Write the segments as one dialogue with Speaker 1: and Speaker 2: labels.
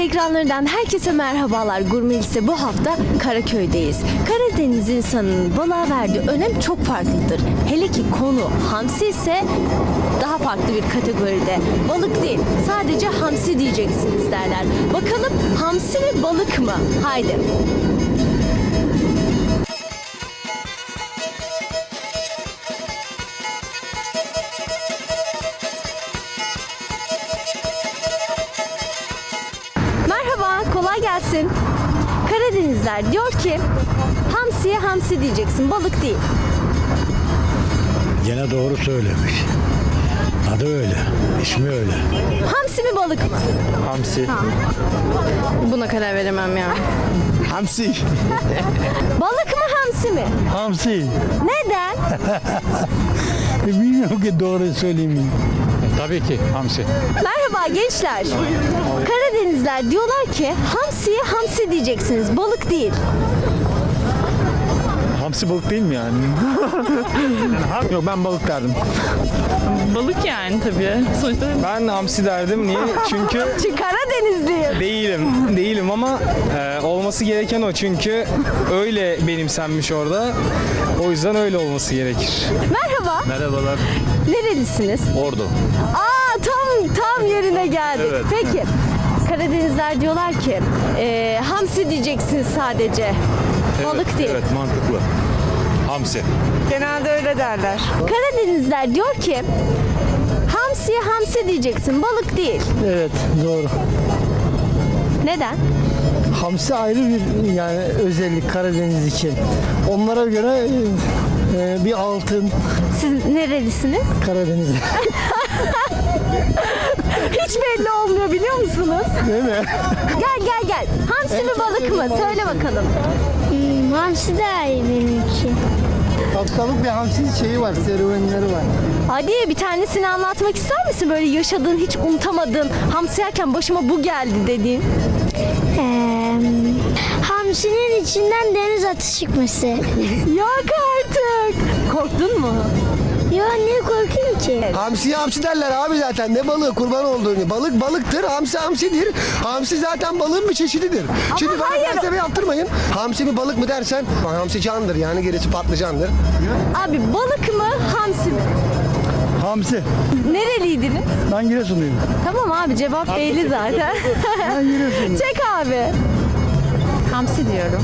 Speaker 1: ekranlarından herkese merhabalar. Gurme Lise bu hafta Karaköy'deyiz. Karadeniz insanının balığa verdiği önem çok farklıdır. Hele ki konu hamsi ise daha farklı bir kategoride. Balık değil, sadece hamsi diyeceksiniz derler. Bakalım hamsi mi balık mı? Haydi. Merhaba, kolay gelsin. Karadenizler diyor ki hamsiye hamsi diyeceksin, balık değil.
Speaker 2: Gene doğru söylemiş. Adı öyle, ismi öyle.
Speaker 1: Hamsi mi balık mı?
Speaker 3: Hamsi.
Speaker 4: Buna karar veremem ya.
Speaker 3: Hamsi.
Speaker 1: Balık mı hamsi mi?
Speaker 2: Hamsi.
Speaker 1: Neden?
Speaker 2: Bilmiyorum ki doğru söyleyeyim mi?
Speaker 3: Tabii ki hamsi.
Speaker 1: Merhaba gençler. Karadenizler diyorlar ki hamsiye hamsi diyeceksiniz, balık değil.
Speaker 3: Hamsi balık değil mi yani? Yok, ben balık derdim.
Speaker 4: Balık yani tabii. Sonuçta
Speaker 5: Ben hamsi derdim. Niye? Çünkü
Speaker 1: Çünkü Karadenizliyim.
Speaker 5: değilim ama olması gereken o. Çünkü öyle benimsenmiş orada. O yüzden öyle olması gerekir.
Speaker 1: Merhaba.
Speaker 3: Merhabalar.
Speaker 1: Nerelisiniz?
Speaker 3: Ordu.
Speaker 1: Aa tam yerine geldik.
Speaker 3: Evet.
Speaker 1: Peki. Karadenizler diyorlar ki hamsi diyeceksiniz sadece. Balık değil.
Speaker 3: Evet, mantıklı. Hamsi.
Speaker 4: genelde öyle derler.
Speaker 1: Karadenizler diyor ki hamsiye hamsi diyeceksin, balık değil.
Speaker 6: Evet, doğru.
Speaker 1: Neden?
Speaker 6: Hamsi ayrı bir yani özellik Karadeniz için. Onlara göre bir altın
Speaker 1: Siz nerelisiniz?
Speaker 6: Karadeniz.
Speaker 1: Hiç belli olmuyor biliyor musunuz?
Speaker 6: Değil mi?
Speaker 1: Gel. Hamsi mi balık mı? Söyle bakalım.
Speaker 7: Hamsi daha iyi benim için.
Speaker 6: Haftalık bir hamsi şeyi var, serüvenleri var.
Speaker 1: Hadi bir tanesini anlatmak ister misin? Böyle yaşadığın, hiç unutamadığın, hamsi yerken başıma bu geldi dediğin.
Speaker 7: Hamsinin içinden deniz atı çıkması.
Speaker 1: Yok artık. Korktun mu?
Speaker 7: Ya niye korkuyorum ki?
Speaker 8: Hamsiye hamsi derler abi zaten. Ne balığı kurban olduğunu. Balık balıktır, hamsi hamsidir. Hamsi zaten balığın bir çeşididir. Şimdi bana
Speaker 1: hayır.
Speaker 8: felsefe yaptırmayın. Hamsi mi balık mı dersen hamsi candır yani gerisi patlıcandır.
Speaker 1: Abi balık mı, hamsi mi?
Speaker 6: Hamsi.
Speaker 1: Nereliydiniz?
Speaker 6: Ben Giresunluyum.
Speaker 1: Tamam abi, cevap belli zaten. Çek abi.
Speaker 4: Hamsi diyorum.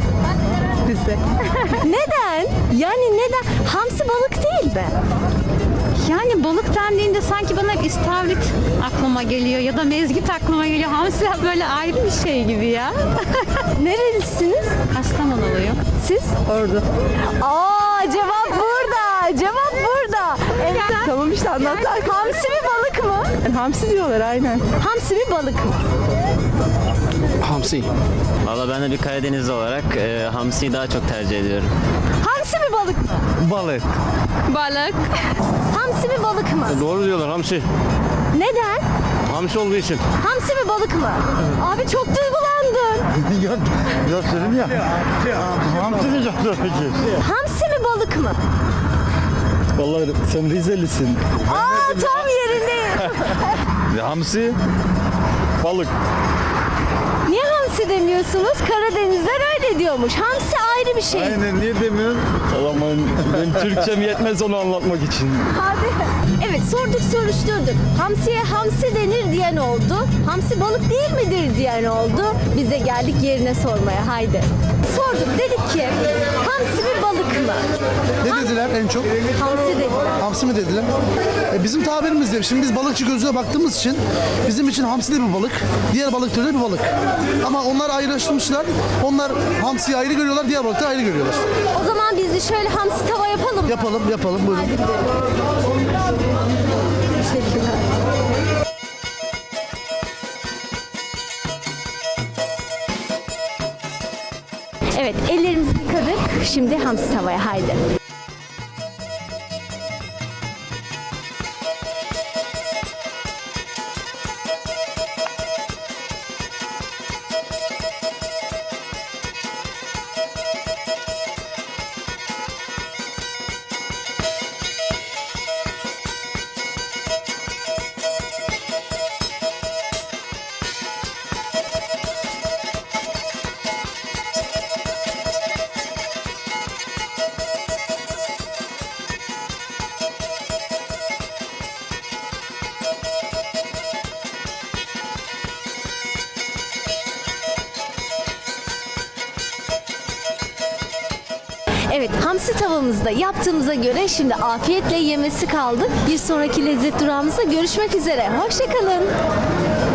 Speaker 1: Neden? Yani neden? Hamsi balık değil mi?
Speaker 4: Yani balık dendiğinde sanki bana istavrit aklıma geliyor ya da mezgit aklıma geliyor. Hamsi böyle ayrı bir şey gibi ya.
Speaker 1: Nerelisiniz?
Speaker 4: Kastamonuluyum.
Speaker 1: Siz? Ordu. Aa, cevap burada. Cevap burada. Evet. Tamam işte anlatlar. Hamsi mi balık mı?
Speaker 4: Hamsi diyorlar aynen.
Speaker 1: Hamsi mi balık mı?
Speaker 8: Hamsi.
Speaker 9: Valla ben de bir Karadenizli olarak hamsiyi daha çok tercih ediyorum.
Speaker 1: Hamsi mi balık mı?
Speaker 3: Balık.
Speaker 4: Balık.
Speaker 1: Hamsi mi balık mı?
Speaker 9: Doğru diyorlar, hamsi.
Speaker 1: Neden?
Speaker 9: Hamsi olduğu için.
Speaker 1: Hamsi mi balık mı? Abi çok duygulandın.
Speaker 6: Biraz dedim ya. Hamsi diyeceğim tabii ki.
Speaker 1: Hamsi mi balık mı?
Speaker 6: Vallahi sen Rizelisin.
Speaker 1: Aa, tam yerindeyim.
Speaker 3: Hamsi. Balık.
Speaker 1: Niye hamsi demiyorsunuz? Karadenizler öyle diyormuş. Hamsi ayrı bir şey.
Speaker 3: Aynen, niye demiyorsun? Aman, benim Türkçem yetmez onu anlatmak için.
Speaker 1: Abi. Evet, sorduk soruşturduk. Hamsiye hamsi denir diyen oldu. Hamsi balık değil midir diyen oldu. Biz de geldik yerine sormaya. Haydi. Sorduk, dedik ki hamsi mi balık mı?
Speaker 8: Ne dediler en çok?
Speaker 1: Hamsi dediler.
Speaker 8: Hamsi mi dediler? Bizim tabirimizde şimdi biz balıkçı gözüne baktığımız için bizim için hamsi de bir balık, diğer balık türü de bir balık. Ama onlar ayrıştırmışlar. Onlar hamsiyi ayrı görüyorlar, diğer balıkları ayrı görüyorlar.
Speaker 1: O zaman biz de şöyle hamsi tava yapalım mı?
Speaker 8: Yapalım buyurun.
Speaker 1: Hadi gidelim. Teşekkürler. Evet, ellerimizi yıkadık. Şimdi hamsi tavaya, haydi. Evet, hamsi tavamızda yaptığımıza göre şimdi afiyetle yemesi kaldı. Bir sonraki lezzet durağımızda görüşmek üzere. Hoşçakalın.